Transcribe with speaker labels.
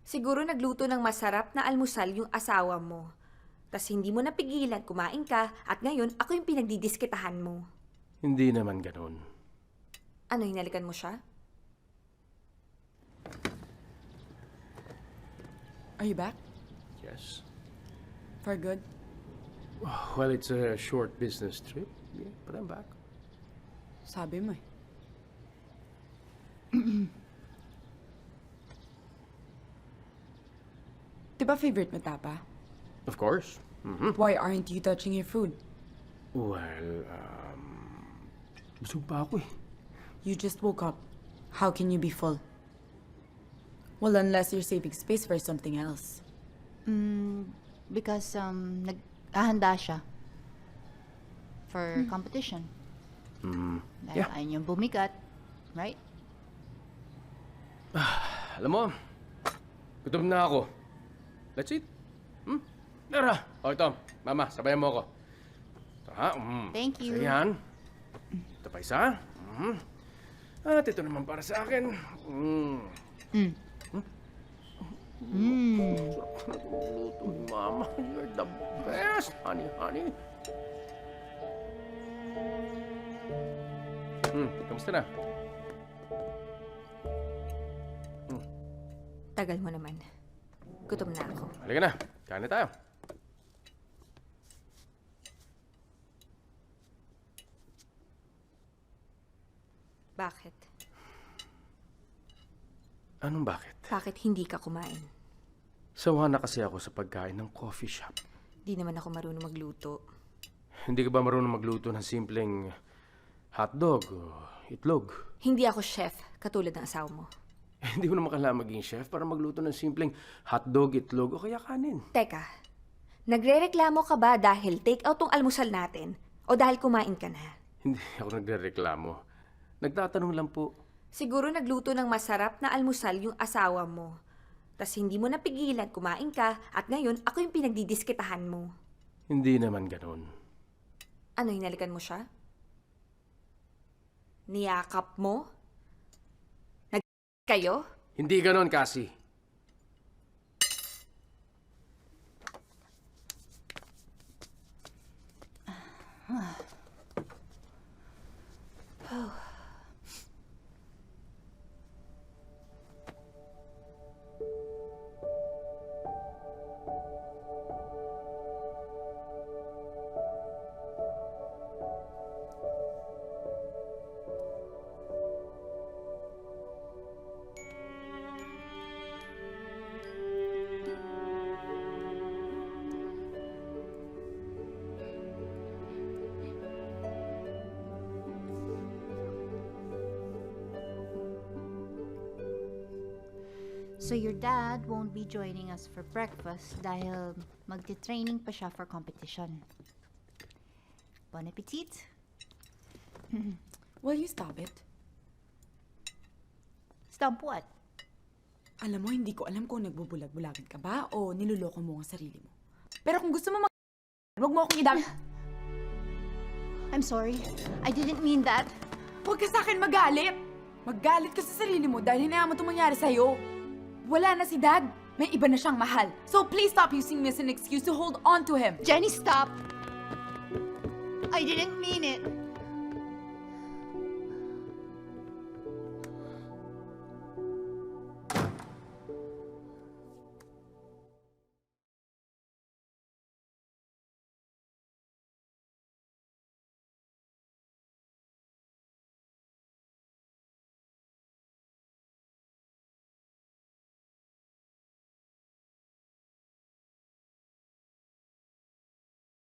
Speaker 1: Siguro nagluto ng masarap na almusal yung asawa mo. Tas hindi mo napigilan, kumain ka, at ngayon ako yung pinagdidiskitahan mo.
Speaker 2: Hindi naman ganun.
Speaker 1: Ano, hinalikan mo siya?
Speaker 3: Are you back?
Speaker 2: Yes.
Speaker 3: For good?
Speaker 2: Well, it's a short business trip. Yeah, but I'm back.
Speaker 3: Sabi mo eh. Di ba favorite mo tapa?
Speaker 2: Of course.
Speaker 3: Why aren't you touching your food?
Speaker 2: Well, busog pa ako eh.
Speaker 3: You just woke up. How can you be full? Well, unless you're saving space for something else.
Speaker 4: Because naghahanda siya for competition. Dahil
Speaker 2: Yeah.
Speaker 4: ayun yung bumigat, right?
Speaker 2: Alam mo, gutom na ako. Let's eat. Tara. O ito, mama, sabayan mo ako. Ito ha.
Speaker 4: Thank you.
Speaker 2: Isa yan. Ito pa isa. At ito naman para sa akin. Sarap na luto ni mama. You're the best, honey, honey. Kamusta na?
Speaker 1: Tagal mo naman. Gutom na ako.
Speaker 2: Halika na. Kain na tayo.
Speaker 1: Bakit?
Speaker 2: Anong bakit?
Speaker 1: Bakit hindi ka kumain?
Speaker 2: Sawa na kasi ako sa pagkain ng coffee shop.
Speaker 1: Di naman ako marunong magluto.
Speaker 2: Hindi ka ba marunong magluto ng simpleng hotdog o itlog?
Speaker 1: Hindi ako chef, katulad ng asawa mo.
Speaker 2: Hindi mo naman kailangan maging chef para magluto ng simpleng hotdog, itlog o kaya kanin.
Speaker 1: Teka, nagrereklamo ka ba dahil take out tong almusal natin o dahil kumain ka na?
Speaker 2: Hindi ako nagrereklamo. Nagtatanong lang po.
Speaker 1: Siguro nagluto ng masarap na almusal yung asawa mo. Tas hindi mo napigilan, kumain ka, at ngayon ako yung pinagdidiskitahan mo.
Speaker 2: Hindi naman ganun.
Speaker 1: Ano, hinalikan mo siya? Niyakap mo? Kayo?
Speaker 2: Hindi ganun, Cassie.
Speaker 4: So your dad won't be joining us for breakfast dahil magti-training pa siya for competition. Bon appetit!
Speaker 3: Will you stop it?
Speaker 4: Stop what?
Speaker 3: Alam mo, hindi ko alam kung nagbubulag-bulagin ka ba o niloloko mo ang sarili mo. Pero kung gusto mo wag mo akong idam...
Speaker 4: I'm sorry. I didn't mean that.
Speaker 3: Huwag ka sa akin magalit! Maggalit ka sa sarili mo dahil hinayaan mo itong mangyari sa'yo. Wala na si Dad. May iba na siyang mahal. So please stop using me as an excuse to hold on to him.
Speaker 4: Jenny, stop! I didn't mean it.